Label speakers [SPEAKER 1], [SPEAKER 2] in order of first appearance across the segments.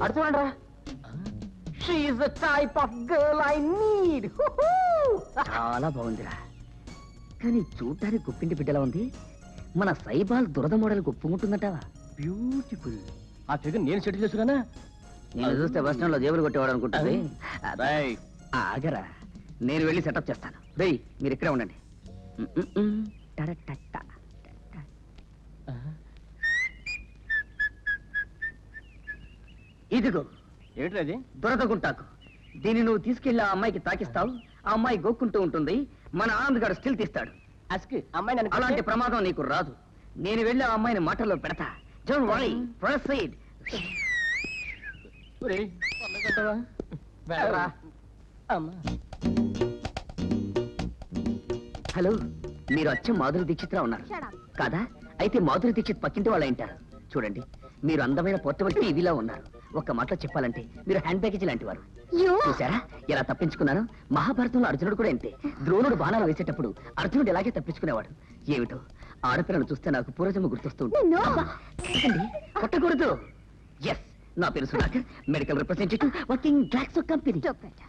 [SPEAKER 1] అటు చూడండి రా. She is the type of girl I need.
[SPEAKER 2] చాలా బాగుందిరా, కానీ చూడటానికి గుప్పింటి బిడ్డలా ఉంది. మన సైబాల్ దురద మోడల్ ఒప్పుకుంటుందంటావా?
[SPEAKER 1] బ్యూటిఫుల్. ఆ ఫిగర్ నేను సెటిల్ చేసుకున్నా.
[SPEAKER 2] నేను చూస్తే బస్ స్టాండ్ లో జేబులు కొట్టేవాడు అనుకుంటుంది. ఆగరా, నేను వెళ్ళి సెటప్ చేస్తాను. రేయ్ మీరు ఇక్కడే ఉండండి. ఇదిగో
[SPEAKER 1] ఏంటి అది?
[SPEAKER 2] దురద గుంటాకు. దీన్ని నువ్వు తీసుకెళ్లి ఆ అమ్మాయికి తాకిస్తావు. ఆ అమ్మాయి గోక్కుంటూ ఉంటుంది. మన ఆనంద్ గారు స్టిల్ తీస్తాడు.
[SPEAKER 1] అమ్మాయి
[SPEAKER 2] అలాంటి ప్రమాదం నీకు రాదు. నేను వెళ్ళి ఆ అమ్మాయిని మాటల్లో పెడతా. Don't worry, proceed. హలో, మీరు అచ్చం మాధురి దీక్షిత్రా ఉన్నారు కాదా? అయితే మాధురి దీక్షిత్ పక్కింటి వాళ్ళ ఉంటారు. చూడండి, మీరు అందమైన పోర్టబుల్ టీవీలా ఉన్నారు. ఒక్క మాటలో చెప్పాలంటే మీరు హ్యాండ్ బ్యాగేజ్ లాంటి వారు. చూసారా ఎలా తప్పించుకున్నాను? మహాభారతంలో అర్జునుడు కూడా అంతే. ద్రోణుడు బాణాలు వేసేటప్పుడు అర్జునుడు ఎలాగే తప్పించుకునేవాడు. ఏమిటో ఆడపిల్లను చూస్తే నాకు పూర్వజన్మ గుర్తొస్తూ ఉంటుంది. కొట్టకూడదు. ఎస్, నా పేరు Sudhakar, medical representative, working Glaxo company.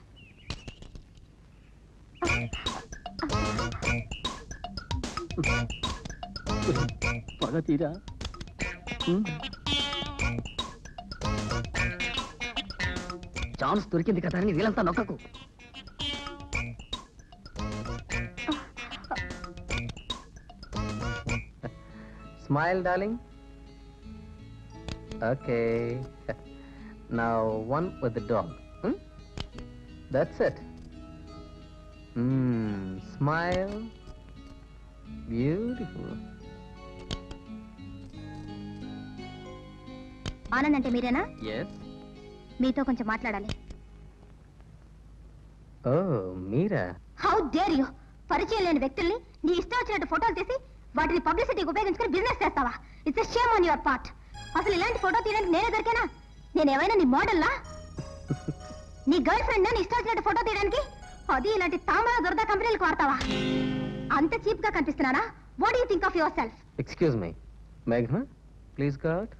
[SPEAKER 1] పగ తీరా.
[SPEAKER 2] ఛాన్స్ దొరికింది కదా అని వీళ్ళంతా నొక్కకు.
[SPEAKER 3] Smile, darling. Okay. Now one with the dog. That's it. Smile. Beautiful.
[SPEAKER 4] Anand అంటే మీరేనా?
[SPEAKER 3] Yes.
[SPEAKER 4] మీతో కొంచెం మాట్లాడాలి.
[SPEAKER 3] Oh, మీరా?
[SPEAKER 4] How dare you! పరిచయం లేని వ్యక్తుల్ని నీ ఇష్టం వచ్చినట్టు ఫోటోలు తీసి వాటిని పబ్లిసిటీకి ఉపయోగించుకుని బిజినెస్ చేస్తావా? It's a shame on your part. అసలు ఇలాంటి ఫోటో తీయడానికి నేనే దొరికానా? నేనేమైనా నీ మోడల్లా? నీ గర్ల్ ఫ్రెండ్ నీ ఇష్టం వచ్చినట్టు ఫోటో తీయడానికి? అది ఇలాంటి తామర దొరద కంపెనీలకు వాడతావా? అంత చీప్ గా కనిపిస్తున్నానా? What do you think of yourself?
[SPEAKER 3] Excuse me. Meghna, please go out.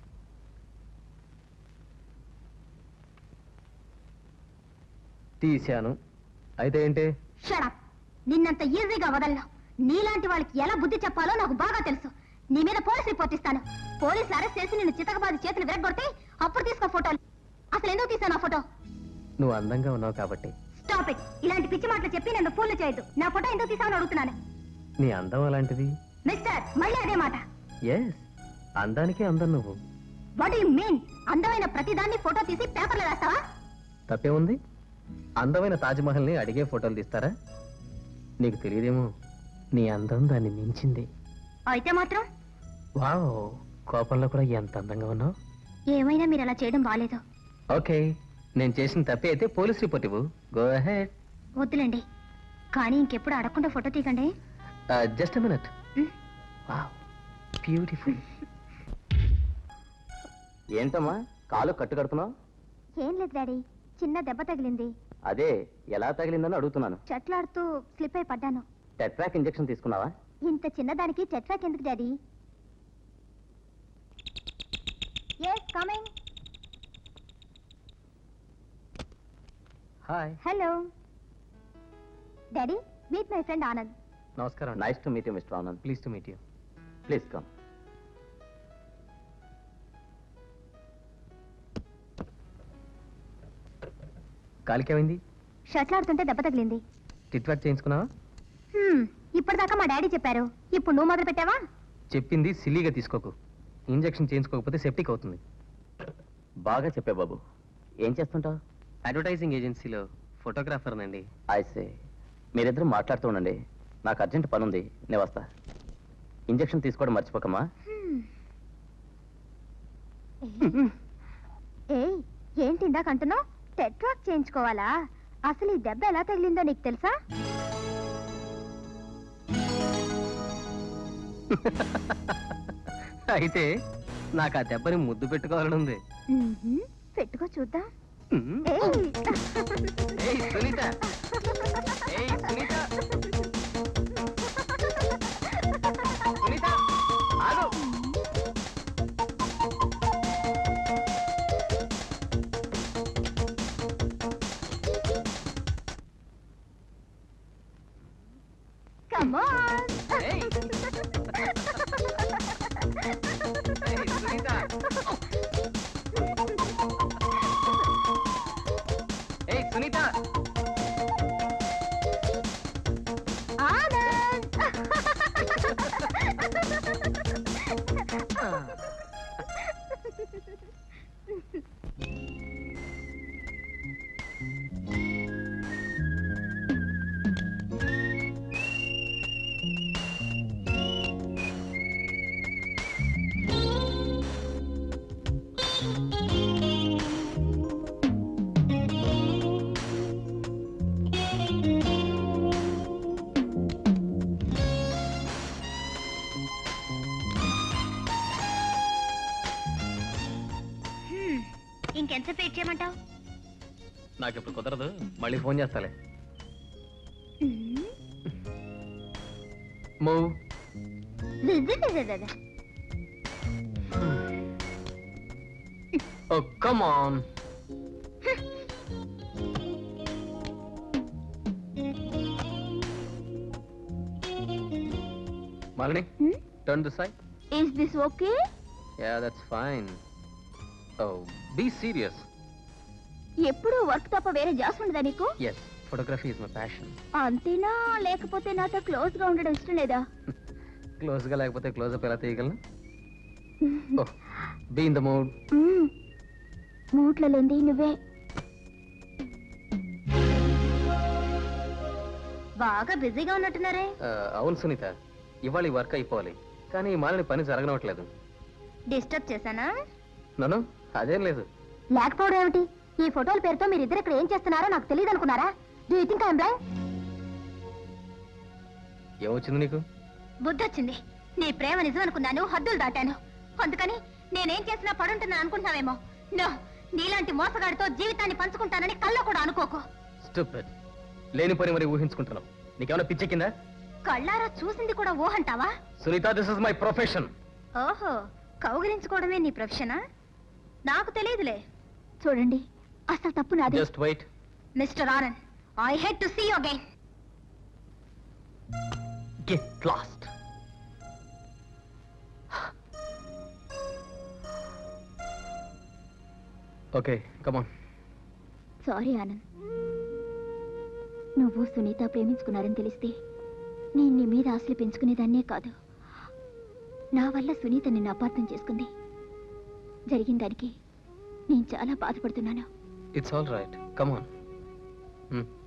[SPEAKER 3] తీశాను. అయితే ఏంటి?
[SPEAKER 4] Shut up. నిన్నంత ఈజీగా వదలను. నీలాంటి వాళ్ళకి ఎలా బుద్ధి చెప్పాలో నాకు బాగా తెలుసు. నీ మీద పోలీస్ రిపోర్ట్ ఇస్తాను. పోలీసులు అరెస్ట్ చేసి నిన్ను చితకబాది చేతులు విరగొడితే అప్పుడు తీసుకో ఫోటోలు. అసలు ఎందుకు తీసాను ఆ ఫోటో?
[SPEAKER 3] నువ్వు అందంగా ఉన్నావు కాబట్టి.
[SPEAKER 4] Stop it. ఇలాంటి పిచ్చి మాటలు చెప్పి నన్ను ఫూల్ చేయొద్దు. నా ఫోటో ఎందుకు తీసావని అడుగుతున్నాను.
[SPEAKER 3] నీ అందం అలాంటిది.
[SPEAKER 4] మిస్టర్, మళ్ళీ అదే మాట.
[SPEAKER 3] ఎస్, అందానికే అందం నువ్వు.
[SPEAKER 4] What you mean? అందమైన ప్రతిదాన్ని ఫోటో తీసి పేపర్లో వేస్తావా?
[SPEAKER 3] తప్పే ఉంది. అందమైన తాజ్మహల్ ని అడిగే ఫోటోలు తీస్తారా? నీకు తెలియదేమో, నీ అందం దాన్ని మించింది.
[SPEAKER 4] అయితే మాత్రం
[SPEAKER 3] వావ్, కోపంలో కూడా ఎంత అందంగా ఉన్నావు.
[SPEAKER 4] ఏమైనా మీరు అలా చేయడం బాలేదు.
[SPEAKER 3] ఓకే, నేను చేసిన తప్పే అయితే పోలీస్ రిపోర్ట్ ఇవ్వు. Go ahead.
[SPEAKER 4] వద్దులేండి, కానీ ఇంకెప్పుడు అడగకుండా ఫోటో తీయకండి.
[SPEAKER 3] Just a minute. Wow, beautiful. ఏంటమ్మా కాలు కట్టు కడుతున్నావు?
[SPEAKER 4] ఏం లేదు డాడీ, చిన్న దెబ్బ తగిలింది.
[SPEAKER 3] అదే ఎలా తగిలిందని అడుగుతున్నాను.
[SPEAKER 4] చెట్లాడుతూ స్లిప్ అయి పడ్డాను.
[SPEAKER 3] టెట్రాక్ ఇంజెక్షన్ తీసుకున్నావా?
[SPEAKER 4] ఇంత చిన్నదానికి టెట్రాక్ ఎందుకు daddy? yes coming.
[SPEAKER 3] Hi.
[SPEAKER 4] hello daddy, meet my friend Anand.
[SPEAKER 3] నమస్కారం. Nice to meet you mister Anand. Pleased to meet you. Please come. కాలికేమైంది?
[SPEAKER 4] షట్లాడుతుంటే దెబ్బ తగిలింది.
[SPEAKER 3] టిట్వాక్ చేయించుకున్నావా?
[SPEAKER 4] ఇప్పటిదాకా మా డాడీ చెప్పారు, ఇప్పుడు నువ్వు మొదలు పెట్టావా?
[SPEAKER 3] చెప్పింది సిల్లీగా తీసుకోకు. ఇంజెక్షన్ చేయించుకోకపోతే సెప్టిక్ అవుతుంది.
[SPEAKER 2] బాగా చెప్పే బాబు. ఏం చేస్తుంటావు?
[SPEAKER 3] అడ్వర్టైజింగ్ ఏజెన్సీలో ఫోటోగ్రాఫర్నండి.
[SPEAKER 2] ఐసే. మీరిద్దరు మాట్లాడుతూ ఉండండి, నాకు అర్జెంట్ పని ఉంది, నేను వస్తా. ఇంజెక్షన్ తీసుకోవడం మర్చిపోకమ్మా.
[SPEAKER 4] ఏయ్, ఏంటి ఇందాక అంటున్నావు? టెట్రాక్ చేయించుకోవాలా? అసలు ఈ దెబ్బ ఎలా తగిలిందో నీకు తెలుసా?
[SPEAKER 3] అయితే నాకు ఆ దెబ్బని ముద్దు పెట్టుకోవాలని ఉంది.
[SPEAKER 4] పెట్టుకో చూద్దాం.
[SPEAKER 3] ఏయ్ సునీత, ఏయ్ సునీత, సునీత ఆగు.
[SPEAKER 4] ఇంకెంతసేపు వెయిట్ చేయమంటావు?
[SPEAKER 3] నాకు ఇప్పుడు కుదరదు, మళ్ళీ ఫోన్ చేస్తాలే. Move. Oh, come on. Malini, turn this side.
[SPEAKER 4] Is this okay?
[SPEAKER 3] Yeah, that's fine. Oh, be serious.
[SPEAKER 4] ఎప్పుడు వర్క్ తప్ప వేరే జాస్ ఉండదా నీకు?
[SPEAKER 3] Yes, photography is my passion.
[SPEAKER 4] అంతేనా, లేకపోతే నాతో క్లోజ్ గా ఉండడం ఇష్టం లేదా?
[SPEAKER 3] క్లోజ్ గా లేకపోతే క్లోజ్ అప్ ఎలా తీయగలను? Oh, be in the mood.
[SPEAKER 4] మూట్లో లేంది నువ్వే. బాగా బిజీగా ఉన్నట్టున్నారే.
[SPEAKER 3] అవును సునీత, ఇవాళ ఈ వర్క్ అయిపోవాలి, కానీ ఈ మాలని పని జరగనట్లేదు.
[SPEAKER 4] డిస్టర్బ్ చేశానా?
[SPEAKER 3] నన్ను అదేం లేదు.
[SPEAKER 4] లేకపోవడం ఏమిటి? ఈ ఫోటోల పేరుతో మీరిద్దరు ఇక్కడ ఏం చేస్తున్నారో నాకు తెలియదు అనుకున్నారా? Do you think I am blind?
[SPEAKER 3] ఏమొచ్చింది నీకు?
[SPEAKER 4] బుద్ధి వచ్చింది. నీ ప్రేమ నిజం అనుకున్నాను, హద్దులు దాటాను. అందుకని నేనేం చేసినా పడుంటున్నాను అనుకుంటున్నావేమో. నో, నీలాంటి మోసగాడితో జీవితాన్ని పంచుకుంటానని కల్లో కూడా అనుకోకు.
[SPEAKER 3] స్టూపిడ్. లేని పని మరి ఊహించుకుంటున్నావు. నీకేమైనా పిచ్చెక్కిందా?
[SPEAKER 4] కళ్ళారా చూసింది కూడా ఊహంటావా?
[SPEAKER 3] Sunitha, this is my profession.
[SPEAKER 4] ఓహో, కౌగిలించుకోవడమే నీ ప్రొఫెషనా? నాకు తెలియదులే. చూడండి, అసలు తప్పు నాది.
[SPEAKER 3] Just wait.
[SPEAKER 4] Mister Anand, I hate to see you again.
[SPEAKER 3] Get lost. Okay, come on.
[SPEAKER 4] Sorry Anand, నువ్వు సునీత ప్రేమించుకున్నారని తెలిస్తే నేను నీ మీద ఆశలు పెంచుకునేదాన్నే కాదు. నా వల్ల సునీత నిన్ను అపార్థం చేసుకుంది. జరిగిన దానికి నేను చాలా బాధపడుతున్నాను.
[SPEAKER 3] It's all right, come on.